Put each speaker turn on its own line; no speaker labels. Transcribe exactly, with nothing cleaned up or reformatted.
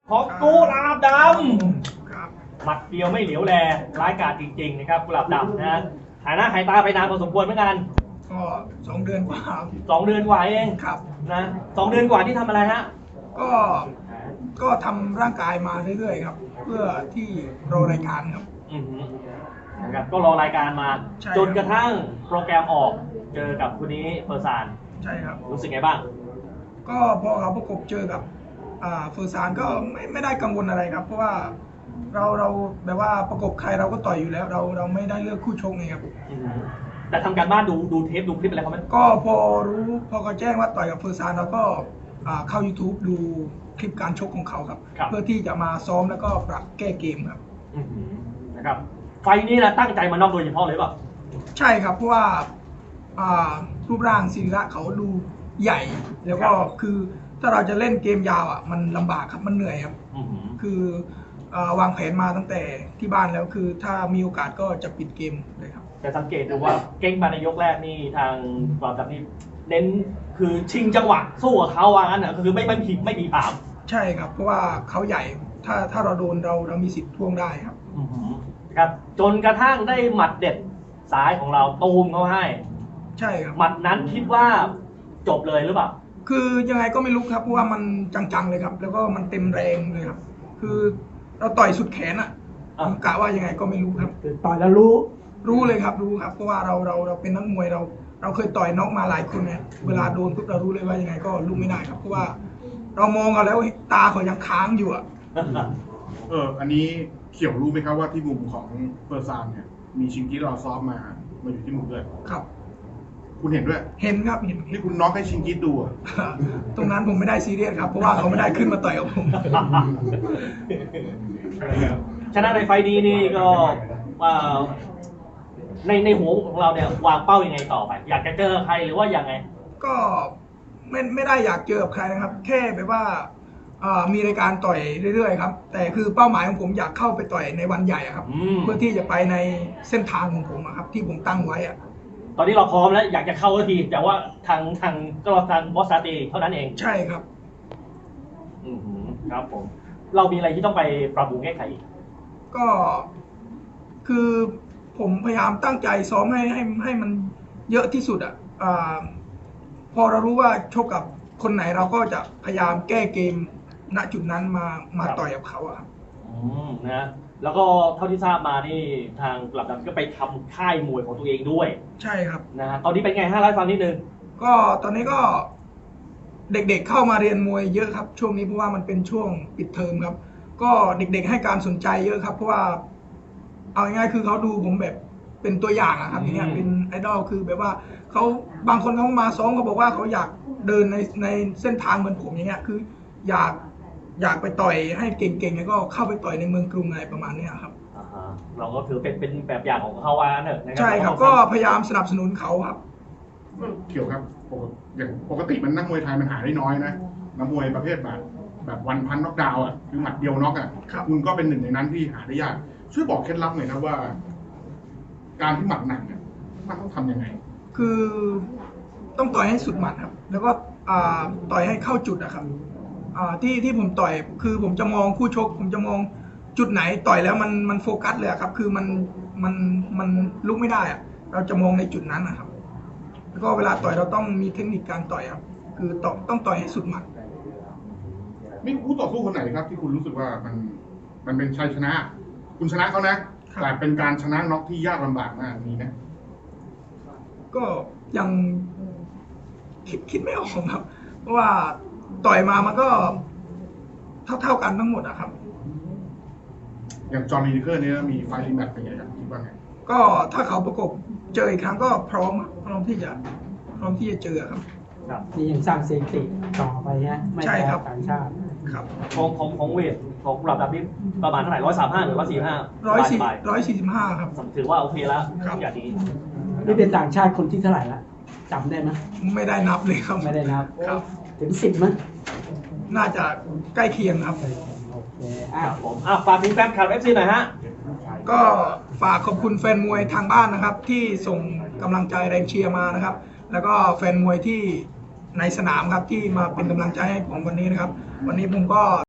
ของกุหลาบดำหมัดเดียวไม่เหลียวแลร้ายกาจจริงๆนะครับกุหลาบดำนะหายหน้าหายตาไปนานพอสมควรเหมือนกัน
ก็สองเดือนกว่า
สองเดือนกว่าเอง
ครับ
นะสองเดือนกว่าที่ทำอะไรฮะ
ก็ก็ทำร่างกายมาเรื่อยๆครับเพื่อที่รอรายการครับ
อือนะครับก็รอรายการมาจนกระทั่งโปรแกรมออกเจอกับคนนี้เฟอร์ซาน
ใช่ครับ
รู้สึกไงบ้าง
ก็พอเขาประกบเจอกับเฟอร์ซานก็ไม่ไม่ได้กังวลอะไรครับเพราะว่าเราเราแบบว่าประกบใครเราก็ต่อยอยู่แล้วเราเราไม่ได้เลือกคู่ชกไงครับ
แต่ทำการบ้านดูดูเทปดูคลิปอะไรเขาไหม
ก็พอรู้พอเขาแจ้งว่าต่อยกับเฟอร์ซานเราก็เข้า YouTube ดูคลิปการชกของเขาครับเพื่อที่จะมาซ้อมแล้วก็ปรับแก้เกมครับ
นะครับไฟนี้นะตั้งใจมานอกโดยเฉพาะเลยป่ะ
ใช่ครับเพราะว่ารูปร่างศิระเขาดูใหญ่แล้วก็คือถ้าเราจะเล่นเกมยาวอ่ะมันลำบากครับมันเหนื่อยครับคือวางแผนมาตั้งแต่ที่บ้านแล้วคือถ้ามีโอกาสก็จะปิดเกมเลยครับ
แต่สังเกตดูว่าเก่งมาในยกแรกนี่ทางกราบดำนี่เน้นคือชิงจังหวะสู้กับเขาว่างั้นนะคือไม่ไม่ผีไม่ผีผาม
ใช่ครับเพราะว่าเขาใหญ่ถ้าถ้าเราโดนเราเรามีสิทธิ์ท่วงได้ครับ
ครับจนกระทั่งได้หมัดเด็ดสายของเราตูมเขาให้
ใช่ครับ
หมัดนั้นคิดว่าจบเลยหรือเปล่า
คือยังไงก็ไม่รู้ครับเพราะว่ามันจังๆเลยครับแล้วก็มันเต็มแรงเลยครับคือเราต่อยสุดแขนอ่ะผมกะว่ายังไงก็ไม่รู้ครับ
ต่อยแล้วรู้
รู้เลยครับรู้ครับเพราะว่าเราเราเราเป็นนักมวยเราเราเคยต่อยน็อกมาหลายคนไงเวลาโดนปุ๊บเรารู้เลยว่ายังไงก็ลุกไม่ได้ครับเพราะว่าเรามองเอาแล้วตาเขายังค้างอยู่อ่ะ
เอออันนี้เขียวรู้ไหมครับว่าที่มุมของเฟอร์ซานเนี่ยมีชิงกี้เราซ้อมมามาอยู่ที่มุมด้วย
ครับ
คุณเห็นด้วย
เห็นครับเห็น
ที่คุณน็อกให้ชิงกี้ดู
ตรงนั้นผมไม่ได้ซีเรียสครับเพราะว่าเขาไม่ได้ขึ้นมาต่อยกับผม
ชนะในไฟดีนี่ก็ในในหัวของเราเนี่ยวางเป้ายังไงต่อไปอยากจะเจอใครหรือว่ายังไง
ก็ไม่ไม่ได้อยากเจอกับใครนะครับแค่แบบว่ามีรายการต่อยเรื่อยๆครับแต่คือเป้าหมายของผมอยากเข้าไปต่อยในวันใหญ่ครับเพื่อที่จะไปในเส้นทางของผมครับที่ผมตั้งไว้อะ
ตอนนี้เราพร้อมแล้วอยากจะเข้าทีแต่ว่าทางทางก็ทางบอสซาตีเท่านั้นเอง
ใช่ครับ
อืมครับผมเรามีอะไรที่ต้องไปปรับปรุงแก้ไขอีก
ก็คือผมพยายามตั้งใจซ้อมให้ให้ให้มันเยอะที่สุดอ่ะพอเรารู้ว่าชกกับคนไหนเราก็จะพยายามแก้เกมณจุดนั้นมามาต่อยกับเขาอะครับ
อืมนะแล้วก็เท่าที่ทราบมานี่ทางกลับดำก็ไปทำค่ายมวยของตัวเองด้วย
ใช่ครับ
นะตอนนี้เป็นไงฮะเล่าให้ฟังนิดนึง
ก็ตอนนี้ก็เด็กๆเข้ามาเรียนมวยเยอะครับช่วงนี้เพราะว่ามันเป็นช่วงปิดเทอมครับก็เด็กๆให้การสนใจเยอะครับเพราะว่าเอาง่ายๆคือเขาดูผมแบบเป็นตัวอย่างอะครับอย่างเงี้ยเป็นไอดอลคือแบบว่าเขาบางคนเขามาซ้อมเขาบอกว่าเขาอยากเดินในในเส้นทางเหมือนผมอย่างเงี้ยคืออยากอยากไปต่อยให้เก่งๆแล้วก็เข้าไปต่อยในเมืองกรุงอะไรประมาณนี้ครับ
เราก็ถือเป็นเป็นแบบอย่างของเขาว่าเนอะ
ใช่ครับก็พยายามสนับสนุนเขาครับ
เกี่ยวครับอย่างปกติมันนักมวยไทยมันหาได้น้อยนะนักมวยประเภทแบบแบบวันพันน็อกดาวน์อ่ะคือหมัดเดียวน็อกอ่ะคุณก็เป็นหนึ่งในนั้นที่หาได้ยากช่วยบอกเคล็ดลับหน่อยนะว่าการที่หมัดหนักเนี่ยมันต้องทำยังไง
คือต้องต่อยให้สุดหมัดครับแล้วก็ต่อยให้เข้าจุดอะครับที่ที่ผมต่อยคือผมจะมองคู่ชกผมจะมองจุดไหนต่อยแล้วมันมันโฟกัสเลยครับคือมันมันมันลุกไม่ได้อะเราจะมองในจุดนั้นนะครับแล้วก็เวลาต่อยเราต้องมีเทคนิคการต่อยครับคือต้องต้องต่อยให้สุดหมัด
มีคู่ต่อสู้คนไหนครับที่คุณรู้สึกว่ามันมันเป็นชัยชนะคุณชนะเขานะแต่เป็นการชนะน็อกที่ยากลำบากมากมีไหม
ก็ยังคิดคิดไม่ออกครับเพราะว่าต่อยมามันก็เท่าเท่ากันทั้งหมดอะครับ
อย่างจอห์นลีเดอร์นี่มีไฟรีแมตช์เป็นไงครับคิดว่าไง
ก็ถ้าเขาประกบเจออีกครั้งก็พร้อมพร้อมที่จะพร้อมที่จะเจอครับ
นี่ยังสร้างสถิติต่อไปฮะไม่แพ้ต่างชาติ
ครับ
ของของของเวทของกลับดำนี่ประมาณเท่าไหร่ร้อยสามห้าหรือว่าสี่ห้า
ร้อยสี่ร้อยสี่สิบห้าครับ
ถือว่าโอเคแล้วอย่างนี้
นี่เป็นต่างชาติคนที่เท่าไหร่ละจำได้ไหม
ไม่ได้นับเลยครับ
ไม่ได้นับ
ครับ
ถึงสิบมั้ย
น่าจะใกล้เคียงครับ
โอเค
อ่ะผมอ่ะฝากถึงแฟนคลับ เอฟ ซี หน่อยฮะ
ก็ฝากขอบคุณแฟนมวยทางบ้านนะครับที่ส่งกำลังใจแรงเชียร์มานะครับแล้วก็แฟนมวยที่ในสนามครับที่มาเป็นกำลังใจให้ผมวันนี้นะครับวันนี้ผมก็